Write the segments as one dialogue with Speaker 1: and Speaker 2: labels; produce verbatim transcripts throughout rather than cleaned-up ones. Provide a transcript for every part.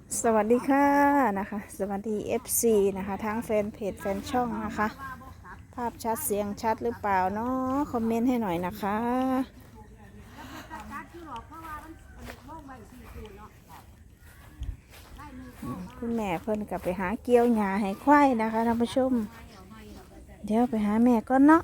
Speaker 1: สวัสดีค่ะนะคะสวัสดี เอฟ ซี นะคะทั้งแฟนเพจแฟนช่องนะคะภาพชัดเสียงชัดหรือเปล่าเนาะคอมเมนต์ให้หน่อยนะคะคุณแม่เพิ่นกลับไปหาเกี้ยวหญ้าให้ควายนะคะท่านผู้ชมเดี๋ยวไปหาแม่ก่อนเนาะ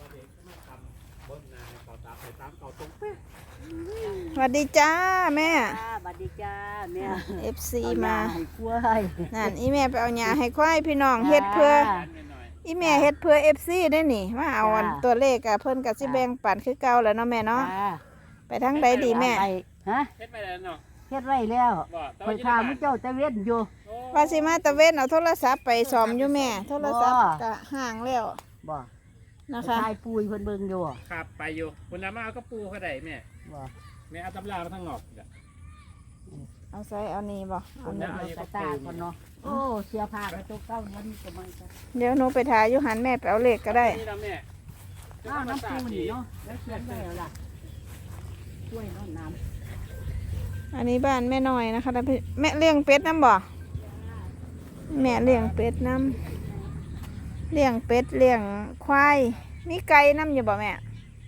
Speaker 1: สวัสดีจ้าแม่
Speaker 2: สวัสดีจ้าแม่
Speaker 1: เอฟ ซี มา
Speaker 2: ให้กล้วย
Speaker 1: นั่นอีแม่ไปเอาหญ้าให้ควายพี่น้องเฮ็ดเพื่ออีแม่เฮ็ดเพื่อ เอฟ ซี ได้นี่มาเอาอันตัวเลขอะเพิ่นกับสิแบ่งปันคือเก่าแล้วเนาะแม่เนาะไปทางใดดีแม่
Speaker 2: ไปฮะ
Speaker 3: เฮ็ดไปแล้วเนาะ
Speaker 2: เฮ็ดไว้แล้ว
Speaker 3: บ่แต่
Speaker 2: คอ
Speaker 3: ว่าย อยู่ใน
Speaker 2: ถาม
Speaker 3: บ้าน
Speaker 2: มื้อเจ้าตะเวนอยู่
Speaker 1: ว่าสิมาตะเวนเอาโทรศัพท์ไปซ่อมอยู่แม่โทรศัพท์
Speaker 2: บ่
Speaker 1: ก็ห่างแล้ว
Speaker 2: บ่
Speaker 1: นะคะ
Speaker 2: ทายปุยเพิ่นเบิ่งอยู่
Speaker 3: ครับไปอยู่คุณน้ามาเอากระปูเขาได้แม่
Speaker 2: บ่
Speaker 3: แม่เอาตำรามาทางนอกอีกอะ
Speaker 1: เอาใส่เอานี่บ่เอานี่
Speaker 2: เอากระตาก่อนเนาะโอ้เสียผ้ากระตุกเก้ามันจะมันจะ
Speaker 1: เดี๋ยวหนูไปถ่ายอยู่หันแม่ไปเอาเลขก็ได้
Speaker 3: นี่นะแม่
Speaker 2: อ้าวน้ำปูนี่เนาะแล้วเขียนไว้แล้วล่ะช่วยน้องน้
Speaker 1: อันนี้บ้านแม่น้อยนะคะท่านพี่แม่เลี้ยงเป็ดน้ำบ่แม่เลี้ยงเป็ดน้ำเลี้ยงเป็ดเลี้ยงควายมีไก่น้ำอยู่บ่แม่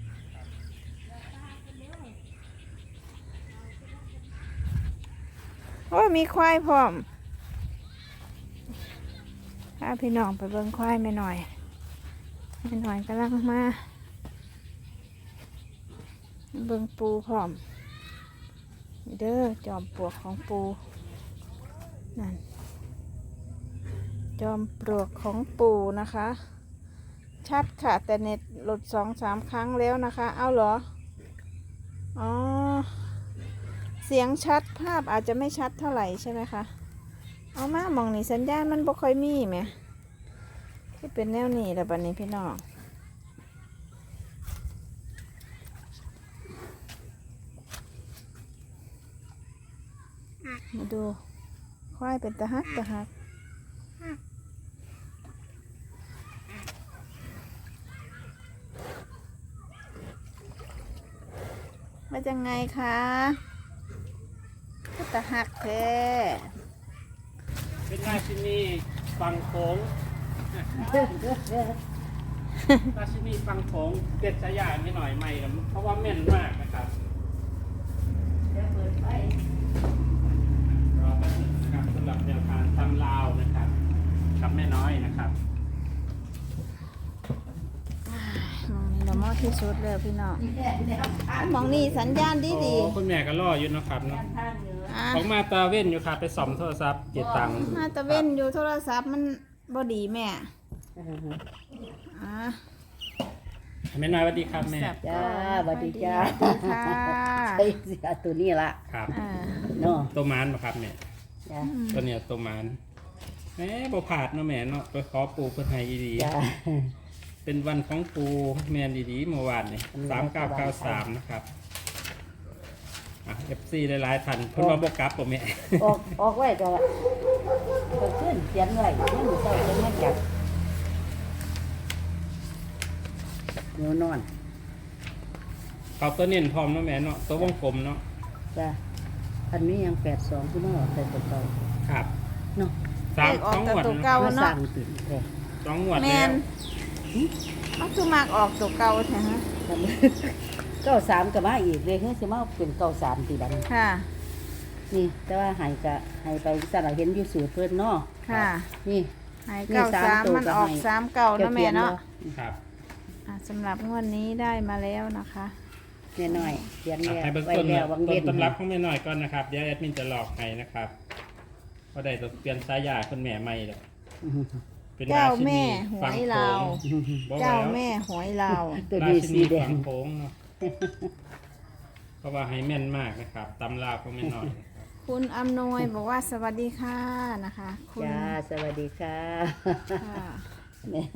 Speaker 1: โอ้มีควายพร้อมพาพี่น้องไปเบิ่งควายแม่น้อยแม่น้อยกำลังมาเบิ่งปูพร้อมนี่เด้อจอมปลวกของปูนั่นจอมปลวกของปูนะคะ ชัดค่ะแต่เน็ตหลุดสองสามครั้งแล้วนะคะ เอาเหรออ๋อเสียงชัดภาพอาจจะไม่ชัดเท่าไหร่ใช่ไหมคะเอามามองนี่สัญญาณมันบ่ค่อยมีไหมที่เป็นแนวนี้แหละบัดนี้พี่น้องมาดูควายเป็นตะฮักตะฮักมาจังไงคะก็ตะฮักแท้
Speaker 3: เป็นราชินีฟังโขงราชินีฟังโขงเด็ดสายาไม่หน่อยใหม่ครับเพราะว่าแม่นมากนะครับรอแป๊บนึงนะครับสำหรับแนวทางตำลาวนะครับกับแม่น้อยนะครับ
Speaker 1: มองนี่ละมอที่สุดเลยพี่น้องมองนี่สัญญาณดีดี
Speaker 3: โอ้คุณแม่ก็รออยู่เนาะครับเนาะ
Speaker 1: อ่ะ
Speaker 3: ของมาตาเว้นอยู่ครับไปซ่อมโทรศัพท์เจ็ดตังค์
Speaker 1: มาตะเว้นอยู่โทรศัพท์มันบ่ดีแม่อ่ะ
Speaker 3: แม่น้อยสวัสดีครับแม่
Speaker 1: สับ
Speaker 2: จ้าสวัสดีจ้า
Speaker 1: สวัสดีค่ะ
Speaker 2: ใช่เสียตัวนี้ล่ะ
Speaker 3: ครับ
Speaker 1: อ่า
Speaker 2: เนาะ
Speaker 3: ตัวมานป่ะครับแม่
Speaker 2: จ้า
Speaker 3: ตัวเนี้ยตัวมานแหม่บ่ผาดเนาะแม่เนาะไปขอปูเพื่อให้ดี
Speaker 2: จ้า
Speaker 3: ๆเป็นวันของปูแมนดีๆเมื่อวานนี่สามเก้าเก้าสามนะครับอ่ะเอฟซีหลายๆท่านเพิ่นว่าบ่กลับบ่แม่
Speaker 2: ออกออกไว้ก็ก็ขึ้นเขียนไว้ยังมือเจ้าจะไม่จับเดี๋ยวนอน
Speaker 3: เขาตัวเน้นพร้อมเนาะแม่เนาะตัววงกลมเนาะ
Speaker 2: จ้าอันนี้ยังแปดสองที่น้องใส่ตัวเก่า
Speaker 3: ครับ
Speaker 2: เนาะ
Speaker 3: สาม
Speaker 1: เลขออ
Speaker 3: ส
Speaker 1: ก
Speaker 3: อง
Speaker 1: แต่
Speaker 3: งวด
Speaker 1: ตัว
Speaker 3: เนาะ
Speaker 1: เก่า
Speaker 2: มาส
Speaker 1: เนาะ
Speaker 2: ร้างติดแค่
Speaker 3: สองงวด
Speaker 1: แม
Speaker 3: แล้ว
Speaker 1: นมันคือมากออกตัวเก่าใช่ไหม
Speaker 2: เก้าสามกับมาอีกเลยเฮ้ยสิมาเป็นเก้าสามตีดัง
Speaker 1: ค่ะ
Speaker 2: นี่แต่ว่าใหายกะหายไปสระเห็นอยู่สูตรเพิ่นเนาะ
Speaker 1: ค่ะ
Speaker 2: นี่
Speaker 1: ใหายเก้าสามมันออกสามเก่าเนาะแม่เนาะ
Speaker 3: ครับ
Speaker 1: อ่ะสำหรับงวดนี้ได้มาแล้วนะคะ
Speaker 2: แม่น้อยเขียน
Speaker 3: อ่ะ
Speaker 2: แล้ว
Speaker 3: ให้เบื้อง
Speaker 2: ไว้
Speaker 3: ต้น
Speaker 2: แล้ววัง
Speaker 3: ต้
Speaker 2: เด่
Speaker 3: น
Speaker 2: น
Speaker 3: ตำรับของแม่น้อยก่อนนะครับเดี๋ยวแอดมินจะหลอกให้นะครับเพราะได้ตัวเปลี่ยนสายยาคุณแม่ใหม่แล้วเป็นรา
Speaker 1: เจ้า
Speaker 3: ชิ
Speaker 1: แม่
Speaker 3: นี
Speaker 1: หว
Speaker 3: ฟัง
Speaker 1: ย
Speaker 3: โข
Speaker 1: ลาว
Speaker 3: งบ่
Speaker 1: เจ้า
Speaker 3: แล้ว
Speaker 1: แม่หวยลาว
Speaker 2: ตัว
Speaker 3: รา
Speaker 2: นี้
Speaker 3: ชิ
Speaker 2: สี
Speaker 3: นี
Speaker 2: แด
Speaker 3: ฟั
Speaker 2: ง
Speaker 3: งโขงเนาะเพราะว่าให้แม่นมากนะครับตำราของแม่น้อยนะครับ
Speaker 1: คุณอำนวยบอกว่าสวัสดีค่ะนะคะคุณ
Speaker 2: จ้าสวัสดีค่ะ
Speaker 1: ค่ะ
Speaker 2: แม่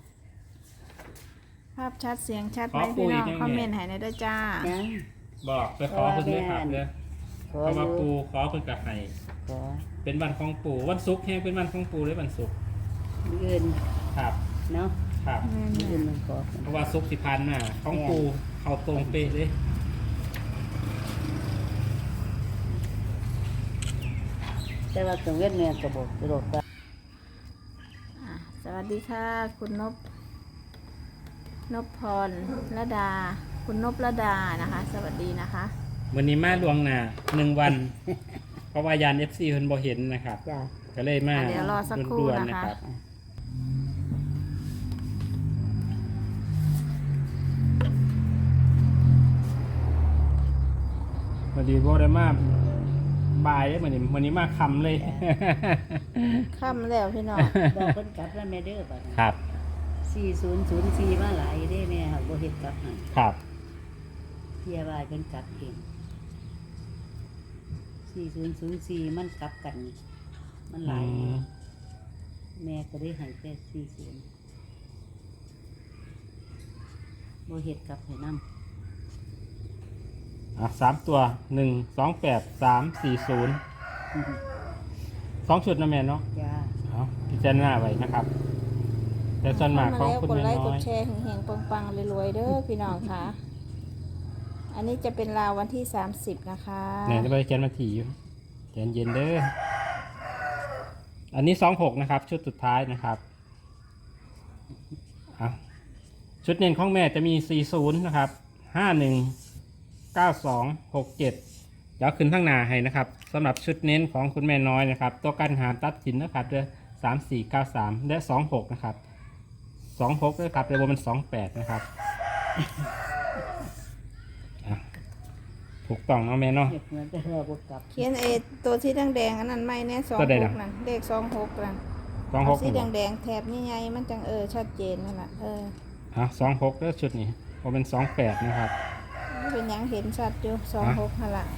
Speaker 1: ภาพชัดเสียงชัดไหมพี่น้องคอมเมนต์ให้หน่อยด้วยจ้า
Speaker 2: ยัง
Speaker 3: บอกไปขอเพิ่นด้วยครับเด้อ
Speaker 2: ข
Speaker 3: เพ
Speaker 2: อ
Speaker 3: ราะ
Speaker 2: อ
Speaker 3: ว่า
Speaker 2: ยู่
Speaker 3: ปูขอเพิ่นกับให้
Speaker 2: ขอ
Speaker 3: เป็นวันของปูวันศุกร์แฮงเป็นวันของปูหรือวันศุกร์
Speaker 2: ยืน
Speaker 3: ครับ
Speaker 2: เนาะ
Speaker 3: ครับ
Speaker 2: ยืนมันขอ
Speaker 3: เพราะว่าศุกร์ที่ผ่านมาของปูเข้าตรงเป๊ะเลย
Speaker 2: แต่ว่ากังเว้นแม่ก็บอกกระโดดไป
Speaker 1: อ่ะสวัสดีค่ะ คุณนพนพพรระดา คุณนพระดานะคะ สวัสดีนะคะ
Speaker 3: วันนี้มาลวงหน้าหนึ่งวัน เพราะว่ายาน เอฟ ซี เพิ่นบ่เห็นนะครับ
Speaker 2: จ้า
Speaker 3: ก็เลยมา
Speaker 1: อ่ะเดี๋ยวรอสักครู่
Speaker 3: ด่วนๆ
Speaker 1: นะคะ
Speaker 3: รับวันนี้บ่ได้มาบ่ายเลยวันนี้วันนี้มาค่ำเลย
Speaker 1: ค่ำแล้วพี่น้อง
Speaker 2: บอกเพิ่นกลับแล้วแม่เด้อบัดนี้
Speaker 3: ครับ
Speaker 2: สี่ศูนย์ศูนย์สี่มาหลายเด้แม่ค่ะบ่เฮ็ดกลับให้
Speaker 3: ครับ
Speaker 2: เที่ยว่าเพิ่นกลับเองสี่ศูนย์ศูนย์สี่มันกลับกัน มันหลาย
Speaker 3: อืม
Speaker 2: แม่ก็ได้ให้แค่สี่ศูนย์บ่เฮ็ดกลับให้นำ
Speaker 3: อ่ะสามตัวหนึ่งสองแปดสามสี่ศูนย์สองชุดนะแม่เนาะ
Speaker 2: จ้า
Speaker 3: เอาพิจารณาไว้นะครับ แต่ส่วนมากของคุณ
Speaker 1: กด
Speaker 3: แม่
Speaker 1: ไลค์ก
Speaker 3: น้อ
Speaker 1: ด
Speaker 3: ย
Speaker 1: แชร์เฮงๆปังๆรวยๆเด้อพี่น้องค่ะ อันนี้จะเป็นราววันที่สามสิบนะคะ
Speaker 3: เนี่ยจะไปเขียนมาถี่อยู่เย็นเย็นๆเด้ออันนี้สองหกนะครับ ชุดสุดท้ายนะครับอ่ะชุดเน้นของแม่จะมีสี่ศูนย์นะครับห้าหนึ่งเก้าสองหกเจ็ดเดี๋ยวขึ้นข้างหน้าให้นะครับสำหรับชุดเน้นของคุณแม่น้อยนะครับ ตัวกันหามตัดสินนะครับเด้อสามสี่เก้าสามและสองหกนะครับสองหกด้วยครับเดี๋ยวมันสองแปดนะครับอ่ะถูกต้องเนาะแม่เนาะ
Speaker 2: เฮ็ดเหมือนแต่เราบ่กลับ
Speaker 1: เขียนเอตัวที่แดงๆอันนั้นไม่แน่สอง
Speaker 3: ตัวใด
Speaker 1: ห
Speaker 3: ล่ะ
Speaker 1: กนั่นเลขสองหกนั่น
Speaker 3: สองห
Speaker 1: เอา
Speaker 3: ก
Speaker 1: สีแดงๆแถบใหญ่ๆมันจังเออชัดเจนนั่นแหละเออ
Speaker 3: อ่ะสองหกแล้วชุดนี้พอเป็นสองแปดนะครับ
Speaker 1: มันเป็นหยังเห็นชัดอยู่สองหกนั่นละ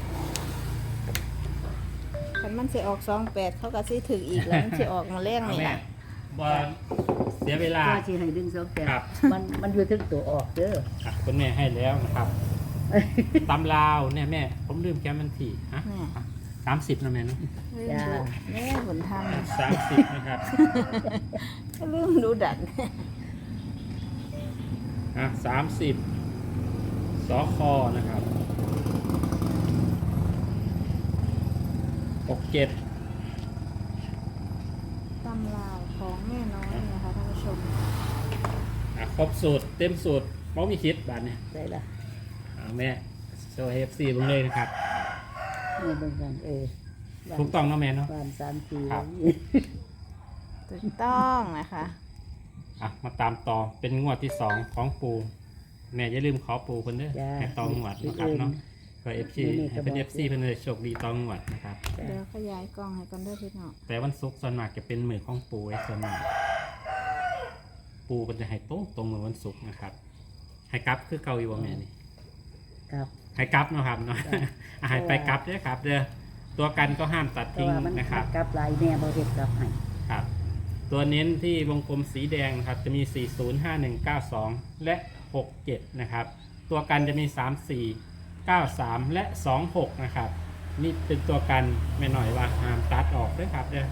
Speaker 1: คันมันสิออกสองแปดเขาก็สิถึงอีกแล้วมันสิออกมาแรง
Speaker 3: เอา
Speaker 1: นี่
Speaker 3: แม่
Speaker 1: ล่ะ
Speaker 3: บอเสียเวลา
Speaker 2: ว่าสิให้ดึงสองแปด
Speaker 3: ครับ
Speaker 2: มันมันอยู่ถึงตัวออกเด้อ
Speaker 3: อ่ะคุณแม่ให้แล้วนะครับตำลาวเนี่ยแม่ ผมลืมแก้มันทีฮะ
Speaker 1: แม่
Speaker 3: สามสิบนะแม่เนาะ
Speaker 1: ลืมดูแม่ผลท
Speaker 3: สามสิบนะครับ
Speaker 1: ำก็ลืมดูดัน
Speaker 3: อ่ะสามสิบสอคอนะครับหกเจ็ด
Speaker 1: ตำราวของแม่น้อยนะคะท่านผู้ชม
Speaker 3: อ่ะครบสูตรเต็มสูตรมองมีคิดบาทเนี่ย
Speaker 2: ได้ละ
Speaker 3: อ่ะแม่โชว์เอฟซีลงเลยนะครับ
Speaker 2: แม่เบิ่งกันเออบ้าน
Speaker 3: ถูกต้องเนาะแม่เนาะ
Speaker 2: บ้านสามสี่
Speaker 3: ครับ
Speaker 1: ถูกต้องนะคะ
Speaker 3: อ่ะมาตามต่อเป็นงวดที่สองของปูแม่อย่าลืมขอปูคนเด้อ
Speaker 2: จ้า
Speaker 3: ให้ตองงวดนะครับเนาะเพื่อเอฟซี
Speaker 2: นี่ก็
Speaker 3: ให้เป็น
Speaker 2: บอก
Speaker 3: เอฟซีเพื่อนเลยโชคดีตองงวดนะครับ
Speaker 1: เดี๋ยวขยายกล้องให้กันด้วยพี่น้อง
Speaker 3: แต่วันศุกร์ส่วนมากจะเป็นมือของปูไอ้ส่วนมากปูมันจะให้ตรงตรงมือวันศุกร์นะครับให้กลับคือเกาอยู่ว่าแม่นี่
Speaker 2: ครับ
Speaker 3: ให้กลับเนาะครับเนาะ
Speaker 2: จ้ะ
Speaker 3: อ่ะให้ไปกลับเด้อครับเด้อตัวกันก็ห้ามตัด
Speaker 2: แต่
Speaker 3: ทิ้ง
Speaker 2: ว่ามัน
Speaker 3: นะครับ
Speaker 2: กลับหลายแม่บ่เฮ็ดกลับให้
Speaker 3: ครับ ตัวเน้นที่วงกลมสีแดงนะครับจะมี สี่ศูนย์ ห้าหนึ่ง เก้าสอง และ หกเจ็ด นะครับ ตัวกันจะมี สามสี่ เก้าสาม และ สองหก นะครับ นี่เป็นตัวกันไม่หน่อยว่าห้ามตัดออกด้วยครับเด้อ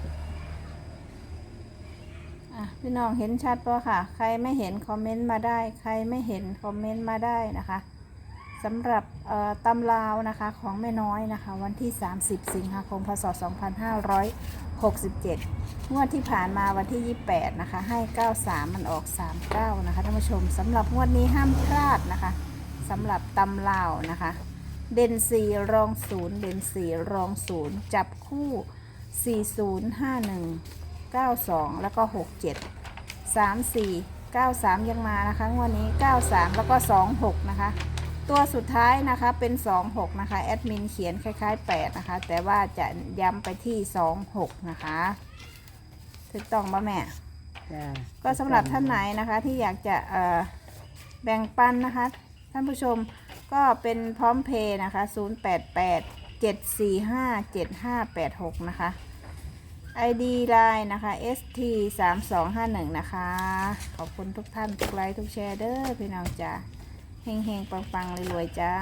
Speaker 1: อ่ะพี่น้องเห็นชัดป่ะค่ะ ใครไม่เห็นคอมเมนต์มาได้ ใครไม่เห็นคอมเมนต์มาได้นะคะสำหรับเอ่อตำราวนะคะของแม่น้อยนะคะ วันที่ สามสิบ สิงหาคม พศ สองพันห้าร้อยหกสิบเจ็ด งวดที่ผ่านมาวันที่ ยี่สิบแปด นะคะ ให้ เก้าสาม มันออก สามเก้า นะคะท่านผู้ชมสำหรับงวดนี้ห้ามพลาดนะคะสำหรับตำราวนะคะ เด่นสี่รองศูนย์เด่นสี่รองศูนย์จับคู่ สี่ศูนย์ ห้าหนึ่ง เก้าสอง แล้วก็ หกเจ็ด สามสี่ เก้าสาม ยังมานะคะงวดนี้ เก้าสาม แล้วก็ สองหก นะคะ ตัวสุดท้ายนะคะเป็น สองหก นะคะแอดมินเขียนคล้ายๆแปดนะคะแต่ว่าจะย้ำไปที่ สองหก นะคะถูกต้องป่ะแม่
Speaker 2: จ้า
Speaker 1: ก็สำหรับท่านไหนนะคะที่อยากจะเอ่อแบ่งปันนะคะท่านผู้ชมก็เป็นพร้อมเพย์นะคะ ศูนย์ แปด แปด เจ็ด สี่ ห้า เจ็ด ห้า แปด หก นะคะ ไอ ดี ไลน์ นะคะ เอส ที สามสองห้าหนึ่ง นะคะ ขอบคุณทุกท่านทุกไลค์ทุกแชร์เด้อพี่น้องจ้าเฮงเฮงปังปังๆรวยๆจ้า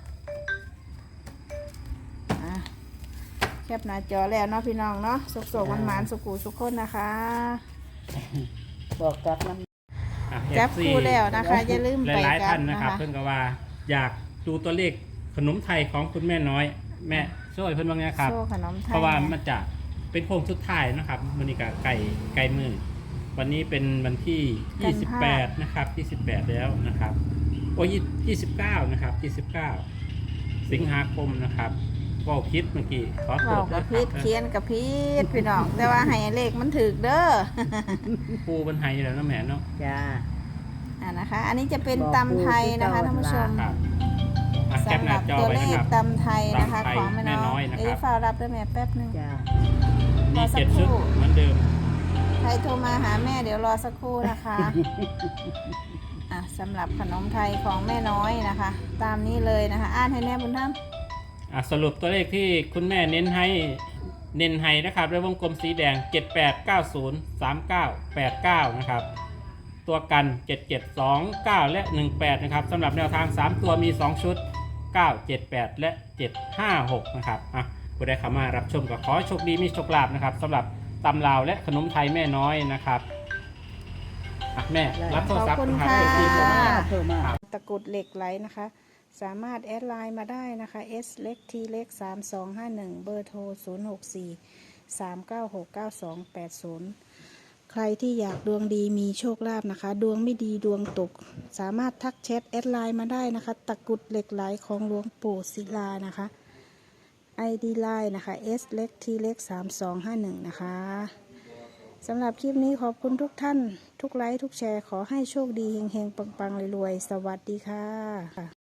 Speaker 1: อ่ะแคปหน้าจอแล้วเนาะพี่น้องเนาะสุกๆหวานๆสุกูสุกคนนะคะ
Speaker 2: บอกกลับมัน
Speaker 3: อ่ะ
Speaker 1: จับ
Speaker 3: เอฟซี
Speaker 1: คู่แล้วนะคะอย่าลืม
Speaker 3: ห
Speaker 1: ไป
Speaker 3: ลายๆ
Speaker 1: กั
Speaker 3: ท่าน
Speaker 1: น
Speaker 3: นะ
Speaker 1: นะ
Speaker 3: ครับ
Speaker 1: คะ
Speaker 3: เพื่อนก็ว่าอยากดูตัวเลขขนมไทยของคุณแม่น้อย แม่โชช่วยเพิ่นบางอย่างครับ
Speaker 1: โซ่ขนมไทย
Speaker 3: เพราะว่ามันจะเป็นโค้งสุดท้ายนะครับมันนี้ก็ไก่ไก่มือวันนี้เป็นวันที่ยี่สิบแปดนะครับยี่สิบแปดแล้วนะครับโอ้ยยี่สิบเก้านะครับยี่สิบเก้าสิงหาคมนะครับก็คิดเมื่อกี้ขอโท
Speaker 1: เว้า
Speaker 3: ษ
Speaker 1: กับ
Speaker 3: นะค
Speaker 1: พี
Speaker 3: รั
Speaker 1: ด
Speaker 3: บ
Speaker 1: เขียนกับพีดพี่น้อง แต่ว่าให้เลขมันถึกเด้อ
Speaker 3: ปูบนไฮแล้วนะแม่เนาะ
Speaker 2: จ้า
Speaker 1: อ่านะคะ อันนี้จะเป็น
Speaker 2: บอก
Speaker 1: ตำไทยนะคะ
Speaker 2: ปู
Speaker 1: ท่านผู้ชม
Speaker 3: ครับอ่ะแคป
Speaker 1: สำ
Speaker 3: ห
Speaker 1: ห
Speaker 3: น้า
Speaker 1: รับ
Speaker 3: จอ
Speaker 1: ตัว
Speaker 3: ไว้
Speaker 1: เล
Speaker 3: นะค
Speaker 1: ข
Speaker 3: รับ
Speaker 1: ตำไทยนะคะ
Speaker 3: ตำไทย
Speaker 1: ของแม่
Speaker 3: แม่น้
Speaker 1: น้
Speaker 3: อ
Speaker 1: อย ย
Speaker 3: นะครับ
Speaker 1: เอ้ยฟ้ารับด้วยแม่แป๊บนึง
Speaker 2: จ้า
Speaker 3: มี
Speaker 1: รอสัก
Speaker 3: เจ็ด
Speaker 1: ครู่
Speaker 3: ชุดเหมือนเดิม
Speaker 1: ใครโทรมาหาแม่เดี๋ยวรอสักครู่นะคะ อ่ะสำหรับขนมไทยของแม่น้อยนะคะ ตามนี้เลยนะคะ อ่านให้แม่บุญธรรม
Speaker 3: อ่ะสรุปตัวเลขที่คุณแม่เน้นให้เน้นให้นะครับด้วยวงกลมสีแดง เจ็ด แปด เก้า ศูนย์ สาม เก้า แปด เก้า นะครับ ตัวกัน เจ็ด เจ็ด สอง เก้า และ หนึ่ง แปด นะครับสำหรับแนวทาง สาม ตัวมี สอง ชุด เก้า เจ็ด แปด และ เจ็ด ห้า หก นะครับอ่ะผู้ใดเข้ามารับชมก็ขอให้โชคดีมีโชคลาภนะครับสำหรับตำลาวและขนมไทยแม่น้อยนะครับอ่ะแม่รับโทรศัพท์
Speaker 1: ขอบคุณ
Speaker 3: นะครั
Speaker 1: ค่ะ
Speaker 3: บที่โทรมา
Speaker 2: เพิ่มมา
Speaker 1: ตะกรุดเหล็กไหลนะคะ สามารถแอดไลน์มาได้นะคะ S เล็ก T เล็กสามสองห้าหนึ่งเบอร์โทรศูนย์หกสี่ สามเก้าหก เก้าสองแปดศูนย์ใครที่อยากดวงดีมีโชคลาภนะคะ ดวงไม่ดีดวงตก สามารถทักแชทแอดไลน์มาได้นะคะ ตะกรุดเหล็กไหลของหลวงปู่ศิลานะคะ ไอ ดี ไลน์นะคะ S เล็ก T เล็กสามสองห้าหนึ่งนะคะสำหรับคลิปนี้ขอบคุณทุกท่าน ทุกไลค์ทุกแชร์ขอให้โชคดีเฮงๆปังๆรวยๆสวัสดีค่ะ